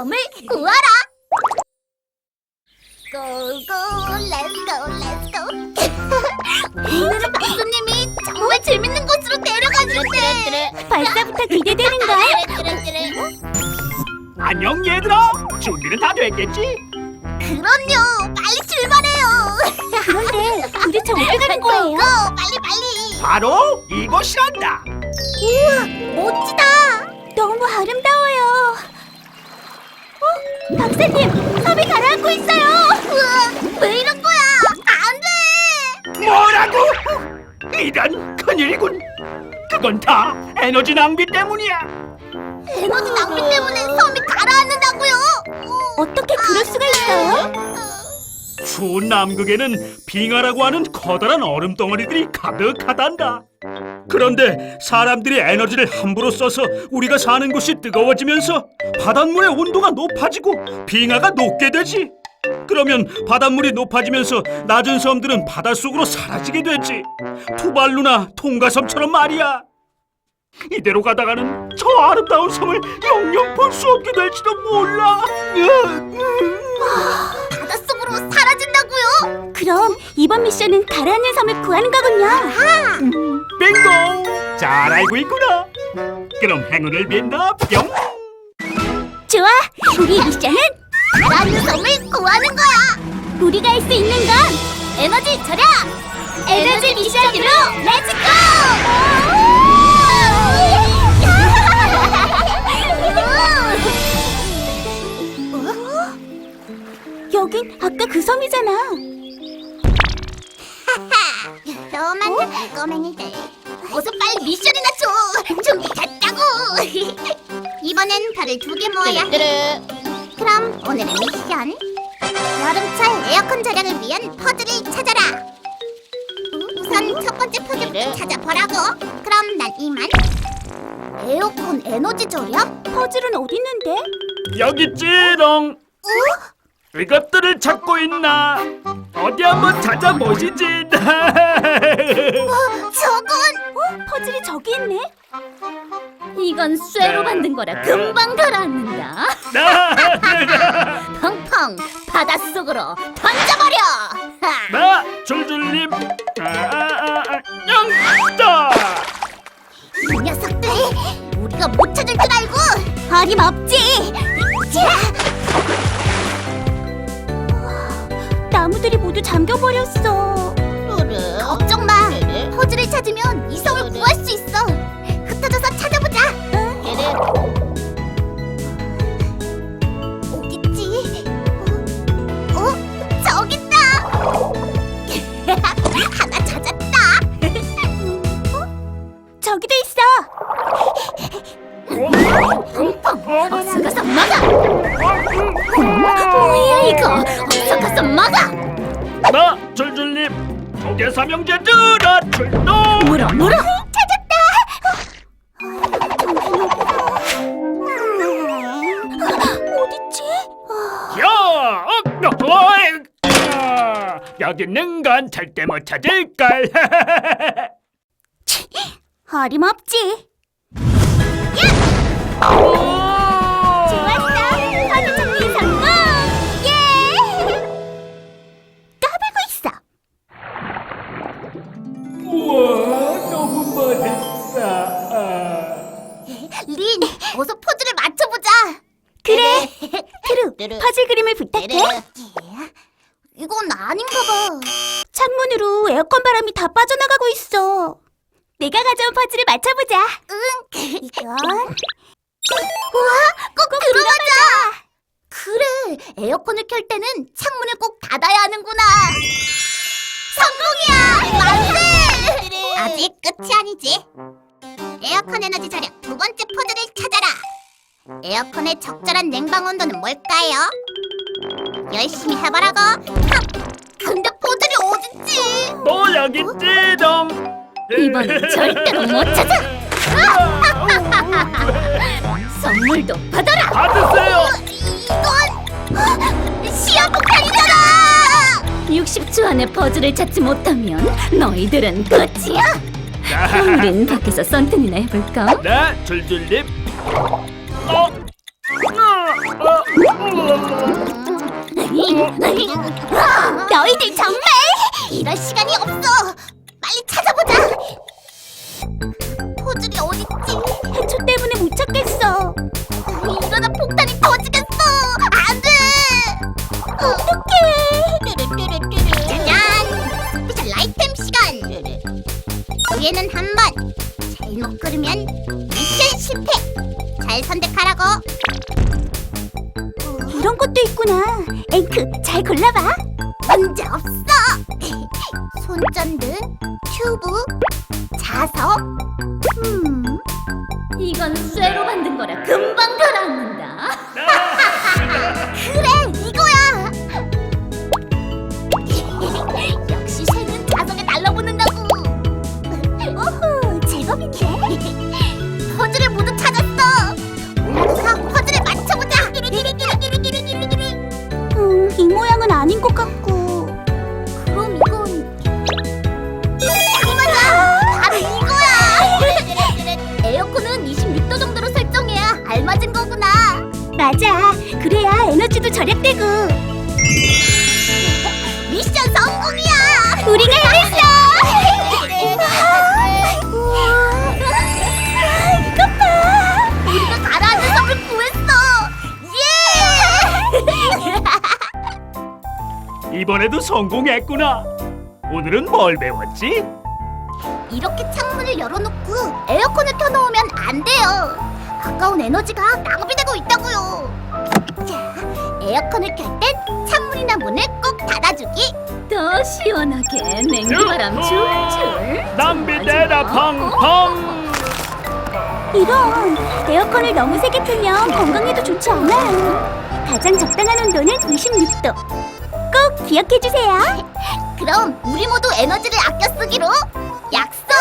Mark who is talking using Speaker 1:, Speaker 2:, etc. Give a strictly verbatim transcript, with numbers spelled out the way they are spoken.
Speaker 1: 섬을 구하라. 고고 렛츠고 렛츠고. 오늘은 박수님이 정말 재밌는 곳으로 데려가주는데
Speaker 2: 벌써부터 기대되는걸?
Speaker 3: 안녕 얘들아. 준비는 다 됐겠지?
Speaker 1: 그럼요. 빨리 출발해요.
Speaker 2: 그런데 도대체 어디 가는 거예요?
Speaker 1: 고고, 빨리 빨리.
Speaker 3: 바로 이곳이란다.
Speaker 1: 우와, 멋지다.
Speaker 2: 너무 아름다워요. 어? 박사님, 섬이 가라앉고 있어요.
Speaker 1: 우와, 왜 이런 거야? 안 돼.
Speaker 3: 뭐라고? 이런 큰일이군. 그건 다 에너지 낭비 때문이야.
Speaker 1: 에너지 낭비 때문에 섬이 가라앉는다고요?
Speaker 2: 어떻게 그럴 수가 있어요?
Speaker 3: 추운 남극에는 빙하라고 하는 커다란 얼음 덩어리들이 가득하단다. 그런데 사람들이 에너지를 함부로 써서 우리가 사는 곳이 뜨거워지면서 바닷물의 온도가 높아지고 빙하가 녹게 되지. 그러면 바닷물이 높아지면서 낮은 섬들은 바닷속으로 사라지게 되지. 투발루나 통가섬처럼 말이야. 이대로 가다가는 저 아름다운 섬을 영영 볼 수 없게 될지도 몰라.
Speaker 1: 바닷속으로 사라진다고요?
Speaker 2: 그럼 이번 미션은 가라앉는 섬을 구하는 거군요.
Speaker 3: 빙고! 잘 알고 있구나. 그럼 행운을 빈다. 뿅!
Speaker 2: 좋아, 우리 미션은
Speaker 1: 가라앉는 섬을 구하는 거야.
Speaker 2: 우리가 할 수 있는 건
Speaker 1: 에너지 절약!
Speaker 2: 에너지 미션으로 렛츠고! 여긴 아까 그 섬이잖아.
Speaker 1: 너만 꼬맹이들 어서 빨리 미션이나 줘. 준비됐다고. 이번엔 별을 두 개 모아야 해. 그럼 오늘의 미션, 여름철 에어컨 절약을 위한 퍼즐을 찾아라. 우선 첫 번째 퍼즐부터 찾아보라고. 그럼 난 이만. 에어컨 에너지 절약?
Speaker 2: 퍼즐은 어디 있는데?
Speaker 3: 여기 있지롱. 이것들을 찾고 있나? 어디 한번 찾아보시지.
Speaker 1: 저건
Speaker 2: 어? 퍼즐이 저기 있네.
Speaker 1: 이건 쇠로 만든 거라 금방 가라앉는다. 펑펑 바닷속으로 던져버려.
Speaker 3: 나 줄줄님. 아, 아, 아, 영다.
Speaker 1: 이 녀석들 우리가 못 찾을 줄 알고
Speaker 2: 어림없지. 나무들이 모두 잠겨버렸어.
Speaker 1: 그래. 걱정 마. 퍼즐을 찾으면 이 섬을 구할 수 있어. 흩어져서 찾아보자. 그래. 어딨지? 어? 어? 저기 있다. 하나 찾았다.
Speaker 2: 저기도 있어.
Speaker 1: 펑펑. 어서 가서 막아. 뭐야 이거? 어서 가서 막아.
Speaker 3: 나 줄줄님. 조개 삼형제들아 출동.
Speaker 2: 물어 물어.
Speaker 1: 찾았다.
Speaker 2: 어딨지?
Speaker 3: 야, 어, 어이, 아, 여기 있는 건 절대 못 찾을걸.
Speaker 2: 어림없지. 좋았어. 퍼즐 찾기 성공. 예. 까불고 있어.
Speaker 3: 우와, 너무 멋있다.
Speaker 1: 린, 어서 포즈를 맞춰보자.
Speaker 2: 그래. 트루, 퍼즐 그림을 부탁해.
Speaker 1: 이건 아닌가 봐.
Speaker 2: 창문으로 에어컨 바람이 다 빠져나가고 있어. 내가 가져온 퍼즐을 맞춰보자.
Speaker 1: 응.
Speaker 2: 이건
Speaker 1: 우와, 꼭, 들어가자. 그래, 에어컨을 켤 때는 창문을 꼭 닫아야 하는구나. 성공이야, 만세! 아직 끝이 아니지. 에어컨 에너지 절약 두 번째 퍼즐을 찾아라. 에어컨의 적절한 냉방 온도는 뭘까요? 열심히 해보라고. 하, 근데 퍼즐이 어딨지?
Speaker 3: 또 여기 있지롱.
Speaker 1: 이번엔 절대로 못 찾아. 선물도 받아라.
Speaker 3: 받으세요.
Speaker 1: 이건 시험 폭탄이잖아. 육십 초 안에 퍼즐을 찾지 못하면 너희들은 끝이야. 우린 밖에서 썬텐이나 해볼까?
Speaker 3: 네, 줄줄님. 어, 어, 어.
Speaker 2: 너희들 정말
Speaker 1: 이럴 시간이 없어. 빨리 찾아보자. 포즐이 어딨지?
Speaker 2: 해초 때문에 못 찾겠어.
Speaker 1: 이러다 폭탄이 터지겠어. 안 돼.
Speaker 2: 어떡해.
Speaker 1: 짜잔! 스페셜 아이템 시간! 기회는 한 번! 잘못 고르면 미션 실패! 잘 선택하라고!
Speaker 2: 이런 것도 있구나. 앵크, 잘 골라봐.
Speaker 1: 문제 없어! 손전등, 튜브, 자석. 음,
Speaker 2: 이건 쇠로 만든 거라 금방 가라앉는다.
Speaker 1: 그래! 이거야! 역시 쇠는 자석에 달라붙는다고!
Speaker 2: 오호, 제법인데.
Speaker 1: 퍼즐을 모두 찾았어! 올라가서 퍼즐에 맞춰보자!
Speaker 2: 음, 이 모양은 아닌 것 같고.
Speaker 1: 그럼 이건 딱 맞아! 바로 이거야! 에어컨은 이십육 도 정도로 설정해야 알맞은 거구나.
Speaker 2: 맞아. 그래야 에너지도 절약되고.
Speaker 1: 미션 성공이야!
Speaker 2: 우리가 해냈어. 이것 봐.
Speaker 1: 우리가 가라앉은 섬을 구했어! 예!
Speaker 3: 이번에도 성공했구나. 오늘은 뭘 배웠지?
Speaker 1: 이렇게 창문을 열어놓고 에어컨을 켜놓으면 안 돼요. 아까운 에너지가 낭비되고 있다고요. 자, 에어컨을 켤 땐 창문이나 문을 꼭 닫아주기.
Speaker 2: 더 시원하게 냉기바람 줄줄.
Speaker 3: 낭비되라 팡팡.
Speaker 2: 이런 에어컨을 너무 세게 틀면 건강에도 좋지 않아요. 가장 적당한 온도는 이십육 도. 꼭 기억해 주세요.
Speaker 1: 그럼 우리 모두 에너지를 아껴 쓰기로 약속!